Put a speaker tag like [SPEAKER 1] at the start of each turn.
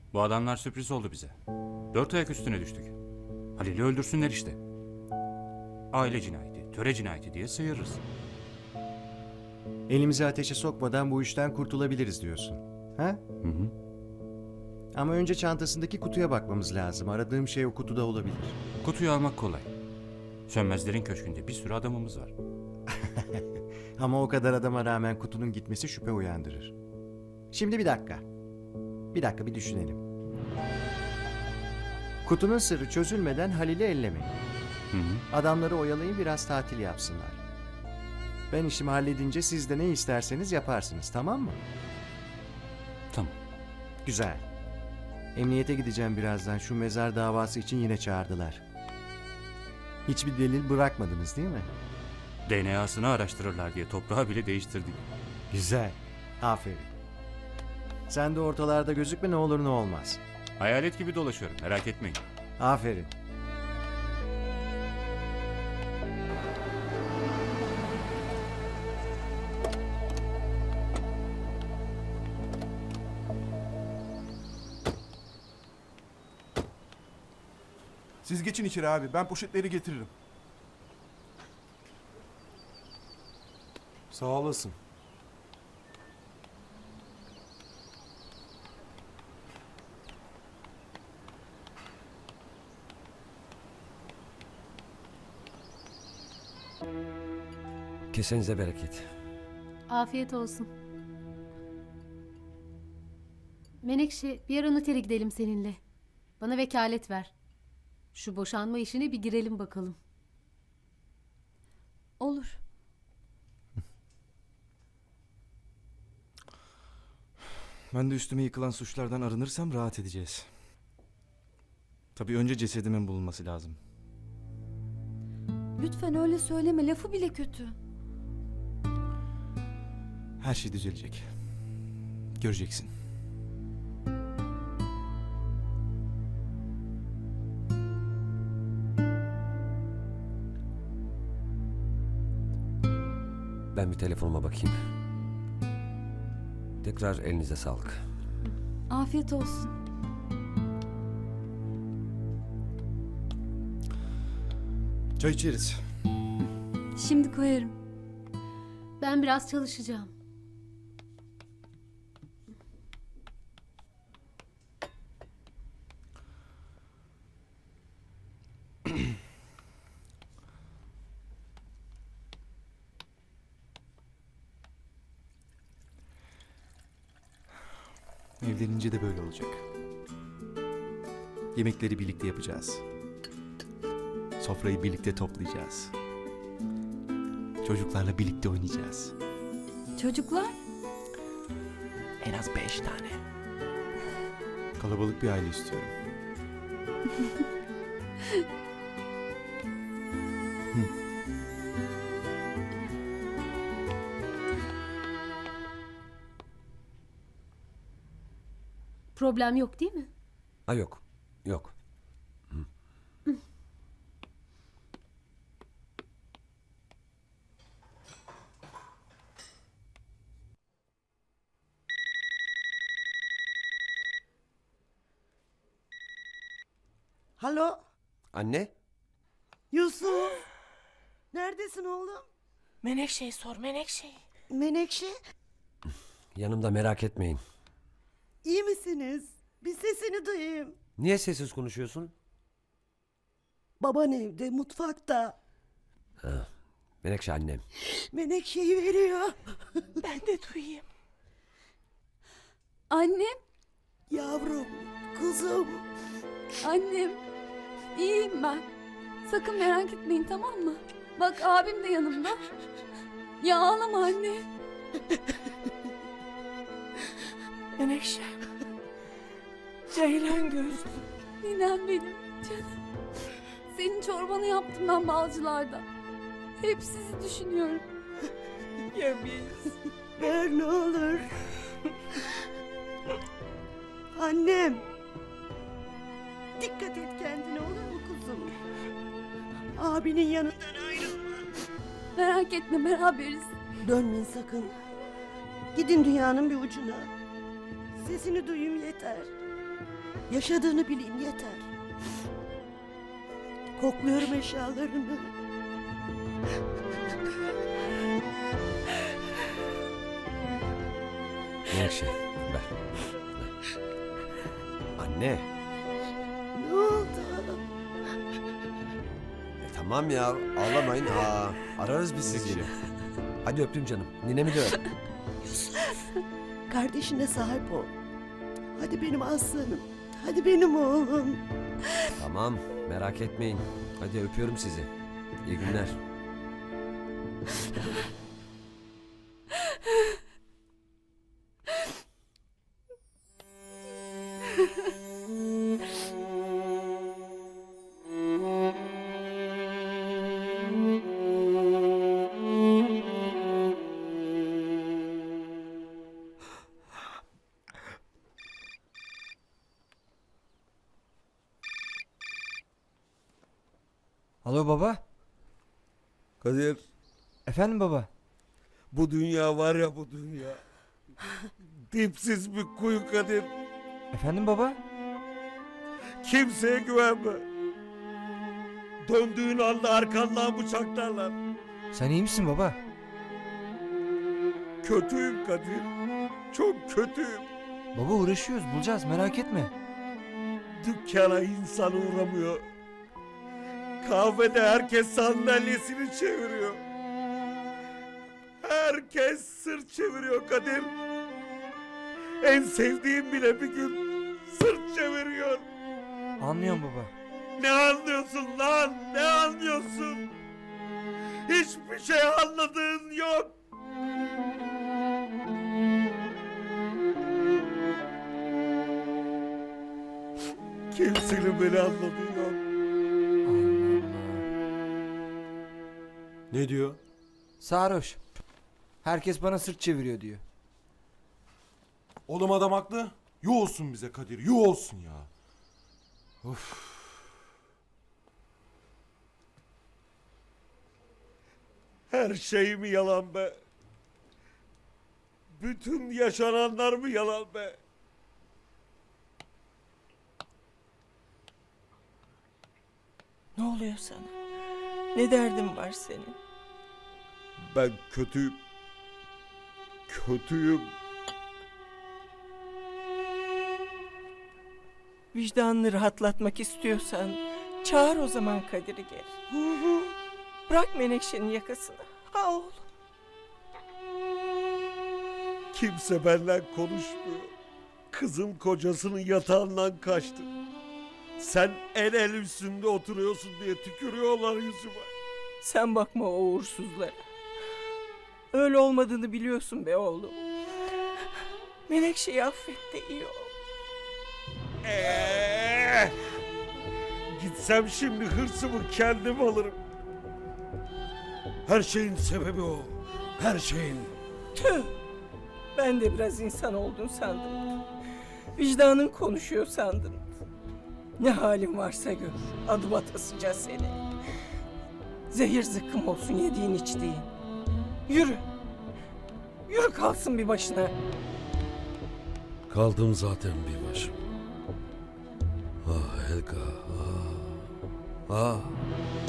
[SPEAKER 1] Bu adamlar sürpriz oldu bize. 4 ayak üstüne düştük. Halil'i öldürsünler işte. Aile cinayeti, töre cinayeti diye sıyırırız.
[SPEAKER 2] Elimizi ateşe sokmadan bu işten kurtulabiliriz diyorsun. Ha?
[SPEAKER 1] Hı hı.
[SPEAKER 2] Ama önce çantasındaki kutuya bakmamız lazım. Aradığım şey o kutuda olabilir.
[SPEAKER 1] Kutuyu almak kolay. Sönmezlerin köşkünde bir sürü adamımız var.
[SPEAKER 2] Ama o kadar adama rağmen kutunun gitmesi şüphe uyandırır. Şimdi bir dakika. Bir düşünelim. Kutunun sırrı çözülmeden Halil'i ellemeyin.
[SPEAKER 1] Hı hı.
[SPEAKER 2] Adamları oyalayın, biraz tatil yapsınlar. Ben işimi halledince siz de ne isterseniz yaparsınız, tamam mı?
[SPEAKER 1] Tamam.
[SPEAKER 2] Güzel. Emniyete gideceğim birazdan. Şu mezar davası için yine çağırdılar. Hiçbir delil bırakmadınız değil mi?
[SPEAKER 1] DNA'sını araştırırlar diye toprağı bile değiştirdik.
[SPEAKER 2] Güzel. Aferin. Sen de ortalarda gözükme, ne olur ne olmaz.
[SPEAKER 1] Hayalet gibi dolaşıyorum, merak etmeyin.
[SPEAKER 2] Aferin.
[SPEAKER 3] Siz geçin içeri abi. Ben poşetleri getiririm.
[SPEAKER 4] Sağ olasın.
[SPEAKER 5] Kesenize bereket.
[SPEAKER 6] Afiyet olsun. Menekşe, bir ara notere gidelim seninle. Bana vekalet ver. Şu boşanma işine bir girelim bakalım.
[SPEAKER 7] Olur.
[SPEAKER 4] Ben de üstüme yıkılan suçlardan arınırsam rahat edeceğiz. Tabii önce cesedimin bulunması lazım.
[SPEAKER 7] Lütfen öyle söyleme. Lafı bile kötü.
[SPEAKER 4] Her şey düzelecek. Göreceksin.
[SPEAKER 5] Ben bir telefonuma bakayım. Tekrar elinize sağlık.
[SPEAKER 7] Afiyet olsun.
[SPEAKER 4] Çay içeriz.
[SPEAKER 7] Şimdi koyarım.
[SPEAKER 6] Ben biraz çalışacağım.
[SPEAKER 4] Evlenince de böyle olacak. Yemekleri birlikte yapacağız. Sofrayı birlikte toplayacağız. Çocuklarla birlikte oynayacağız.
[SPEAKER 7] Çocuklar?
[SPEAKER 4] En az 5 tane. Kalabalık bir aile istiyorum.
[SPEAKER 6] Problem yok değil mi?
[SPEAKER 5] Ha yok. Yok.
[SPEAKER 8] Alo,
[SPEAKER 5] Anne?
[SPEAKER 8] Yusuf. Neredesin oğlum?
[SPEAKER 9] Menekşe'yi sor, Menekşe'yi.
[SPEAKER 8] Menekşe,
[SPEAKER 5] Yanımda, merak etmeyin.
[SPEAKER 8] iyi misiniz? Bir sesini duyayım.
[SPEAKER 5] Niye sessiz konuşuyorsun?
[SPEAKER 8] Baban evde, mutfakta.
[SPEAKER 5] Menekşe annem.
[SPEAKER 8] Menekşe'yi veriyor.
[SPEAKER 9] Ben de duyayım.
[SPEAKER 7] Annem,
[SPEAKER 8] Yavrum, kuzum.
[SPEAKER 7] annem. İyiyim ben. Sakın merak etmeyin, tamam mı? Bak abim de yanımda. Ya ağlama anne.
[SPEAKER 9] Menekşe. Ceylan gözlü.
[SPEAKER 7] Ninem benim canım. Senin çorbanı yaptım ben Balcılar'da. Hep sizi düşünüyorum.
[SPEAKER 9] Ya biz?
[SPEAKER 8] Ver ne olur. Annem. Dikkat et kendine, olur mu kuzum? Abinin yanından ayrılma.
[SPEAKER 7] Merak etme, beraberiz.
[SPEAKER 8] Dönmeyin sakın. Gidin dünyanın bir ucuna. Sesini duyayım yeter. Yaşadığını bileyim yeter. Kokluyorum eşyalarını.
[SPEAKER 5] Menekşe ver. Anne.
[SPEAKER 8] Ne oldu?
[SPEAKER 5] Tamam ya ağlamayın. Ararız biz sizi yine. Hadi öptüm canım. Ninemi de öp.
[SPEAKER 8] Kardeşine sahip ol. Hadi benim aslanım. Hadi benim oğlum.
[SPEAKER 5] Tamam merak etmeyin. Hadi öpüyorum sizi. İyi günler.
[SPEAKER 2] Alo baba.
[SPEAKER 10] Kadir,
[SPEAKER 2] Efendim baba.
[SPEAKER 10] bu dünya var ya bu dünya. Dipsiz bir kuyu Kadir.
[SPEAKER 2] Efendim baba.
[SPEAKER 10] Kimseye güvenme. Döndüğün anda arkandan bıçaklarlar.
[SPEAKER 2] Sen iyi misin baba?
[SPEAKER 10] Kötüyüm Kadir. Çok kötüyüm.
[SPEAKER 2] Baba uğraşıyoruz, bulacağız, merak etme.
[SPEAKER 10] Dükkana insan uğramıyor. Kahvede herkes sandalyesini çeviriyor. Herkes sırt çeviriyor Kadir. En sevdiğim bile bir gün sırt çeviriyor.
[SPEAKER 2] Anlıyorum baba.
[SPEAKER 10] Ne anlıyorsun lan? Ne anlıyorsun? Hiçbir şey anladığın yok. Kimsenin beni anladığı yok.
[SPEAKER 2] Allah Allah.
[SPEAKER 10] Ne diyor?
[SPEAKER 2] Sarhoş. Herkes bana sırt çeviriyor diyor.
[SPEAKER 3] Oğlum adam haklı. Yuh olsun bize Kadir. Yuh olsun ya. Of.
[SPEAKER 10] Her şey mi yalan be? Bütün yaşananlar mı yalan be?
[SPEAKER 9] Ne oluyor sana? Ne derdin var senin?
[SPEAKER 10] Ben kötüyüm. Kötüyüm.
[SPEAKER 9] Vicdanını rahatlatmak istiyorsan çağır o zaman Kadir'i gel. Bırak Menekşe'nin yakasını. Ha oğlum.
[SPEAKER 10] Kimse benden konuşmuyor. Kızım kocasının yatağından kaçtı. Sen el üstünde oturuyorsun diye tükürüyorlar yüzüme.
[SPEAKER 9] Sen bakma o uğursuzlara. Öyle olmadığını biliyorsun be oğlum. Menekşe'yi affet de iyi ol.
[SPEAKER 10] Gitsem şimdi hırsımı kendim alırım. Her şeyin sebebi o. Her şeyin.
[SPEAKER 9] Tüh! Ben de biraz insan oldun sandım. Vicdanın konuşuyor sandım. Ne halin varsa gör. Adım atasıca seni. Zehir zıkkım olsun yediğin içtiğin. Yürü. Yürü kalsın bir başına.
[SPEAKER 10] Kaldım zaten bir başım. Ah Helga. Ah.